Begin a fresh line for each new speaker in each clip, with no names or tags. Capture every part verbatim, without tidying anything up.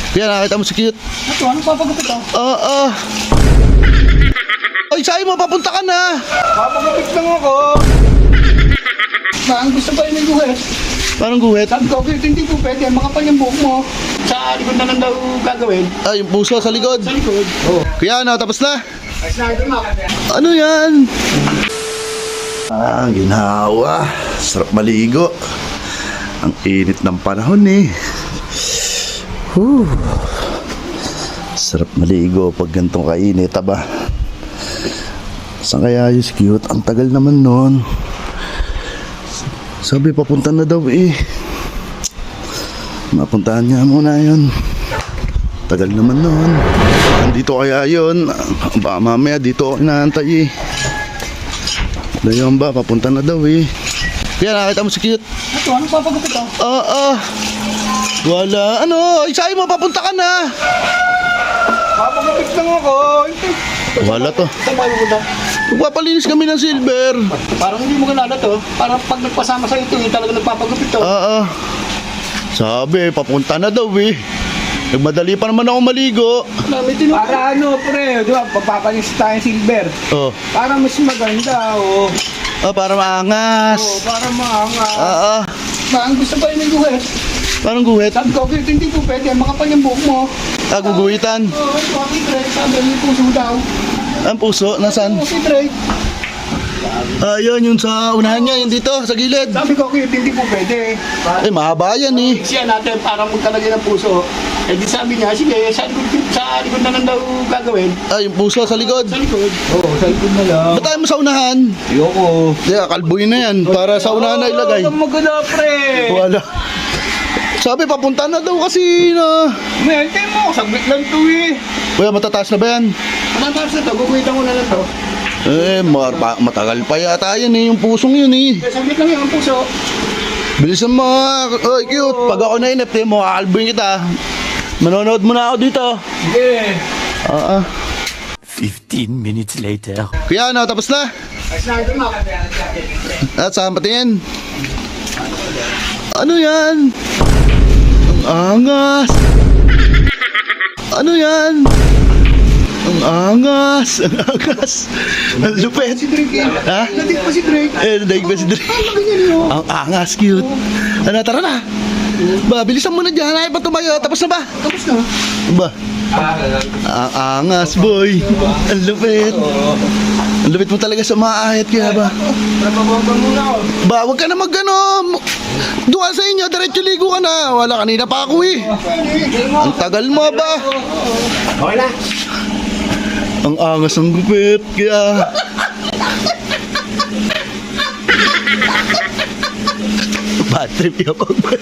Kaya nakita mo si Cute.
Ito, anong papagupit oh?
Oo. Uh, uh. Ay, sa'yo mo, papunta ka na.
Papagupit lang ako. Bang, gusto ba yung guhit?
Parang guhit.
Sabi ko, okay, hindi po pwede. Makapal yung buhok mo. Sa likod na lang daw gagawin.
Ah, yung puso sa likod.
Sa likod. Oo.
Kaya na, tapos na.
Ay, sinabi mo.
Ano yan? Ah, ginhawa. Sarap maligo. Ang init ng panahon eh. Whew. Sarap maligo pag gantong kainit, aba. Saan kaya yung Cute? Ang tagal naman nun. Sabi papunta na daw eh. Mapuntahan niya muna yun. Tagal naman nun. Andito kaya yun. Baka mamaya dito ako inaantay eh. Dayon ba? Papunta na daw eh. Kaya nakita mo si Cute.
Ito, anong papagupit oh?
Oo. Uh, uh. Wala. Ano? Isay mo, papunta ka na.
Papagupit lang ako.
Wala to.
Sabay mo na.
Magpapalinis kami ng silver.
Parang hindi mo kilala to. Parang pag nagpasama sa ito, yung talaga nagpapagupit to.
Oo. Sabi, papunta na daw eh. Nagmadali pa naman ako maligo.
Para ano, pre, di ba? Papapanis tayo silver.
Oh.
Para mas maganda, oh.
Ah, para maangas.
Oh, para maangas.
Oo.
Bang, gusto ba yung guhit?
Parang guhit.
Sabi ko, okay, hindi po pwede. Makapal yung buhok mo.
Ah, guguhitan.
Oo, ito, okay, pre. Sabi, yung puso daw.
Ang puso, nasaan?
Okay, pre.
Ah, yun, yun sa unahan niya, yun dito, sa gilid.
Sabi ko, okay, hindi po pwede.
Eh, mahaba yan eh.
Siya natin para magkalagay ng puso. Eh di sabi niya, sige, sa likod, sa likod na lang daw gagawin.
Ah, yung puso sa likod.
Sa likod? Oo, oh, sa likod na lang.
Ba't tayo mo sa unahan?
Ayoko.
Hindi, kalbuhin na yan. Para sa unahan na ilagay.
Oo, maganda, pre.
Wala. Sabi, papunta na daw kasi na.
May hintay mo, saglit lang to eh.
Kuya, matataas na ba yan?
Anong taas na to? Guguhitan ko na lang to.
Eh, ma- pa- matagal pa yata yan eh, yung pusong yun eh.
Eh, saglit lang yung puso.
Bilisan mo. Oy, Cute. Pag ako nainip, eh, mo kakalbuhin kita. Manonood muna ako dito.
Sige.
Oo.
Fifteen minutes later.
Kuya, ano, tapos na?
Ay, sinabi mo.
At saan patingin? Ano yan? Ang angas. Ano yan? Ang angas. Ang angas. Ang lupet.
Si Drake eh.
Ha?
Nadik pa si Drake.
Eh, daig ba si Dre?
Ganyan yun.
Ang angas, Cute. Ano, tara na. Ba, bilisan mo na dyan. Ay, pa tumayo. Tapos na ba?
Tapos na.
Ba? Ang angas, boy. Ang lupit. Ang lupit mo talaga sa maahit, kaya ba?
Nabababa muna ako.
Ba, wag ka na mag ano. Doon sa inyo, diretso ligo ka na. Wala, kanina pa ako eh. Ang tagal mo ba?
Okay na.
Ang angas ng gupit, kaya... Bad trip yung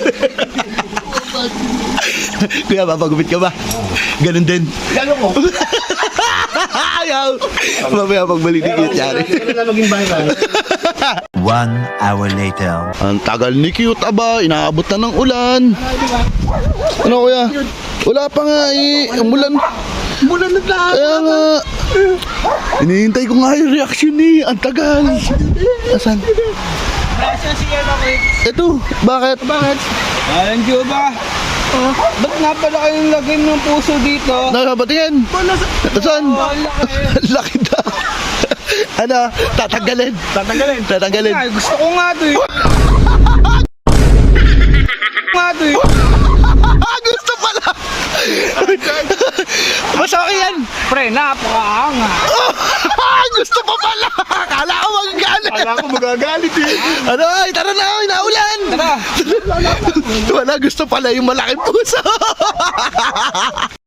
Kuya, papagupit ka ba? Ganun din.
Gano'n ko.
Ayaw. Mamaya pagbalik ni Cute yari.
Ano na maging viral?
One hour later.
Ang tagal ni Cute, aba. Inaabot na ng ulan. Ano, kuya? Wala pa nga eh. Umulan.
Mula na lahat.
Kaya nga. Hinihintay ko nga yung reaction eh. Ang tagal. Asan?
Nasa siya na ko eh.
Ito. Bakit?
Bakit? Alam niyo ba? Uh, ba't nga pala kayong lagay ng puso dito?
Nakabatingin. Asan?
Oh, ang laki.
Laki daw. Ano? Tatanggalin.
Tatanggalin.
Tatanggalin.
Ay, gusto ko nga to eh. nga to eh.
Ah, gusto pala. Mas okay yan.
Pre, napakaanga.
Gusto pa pala. Akala ko magagalit.
Kala ko magagalit eh.
Ano? Ay, tara na. Inaulan.
Tara.
Wala, gusto pala yung malaking puso.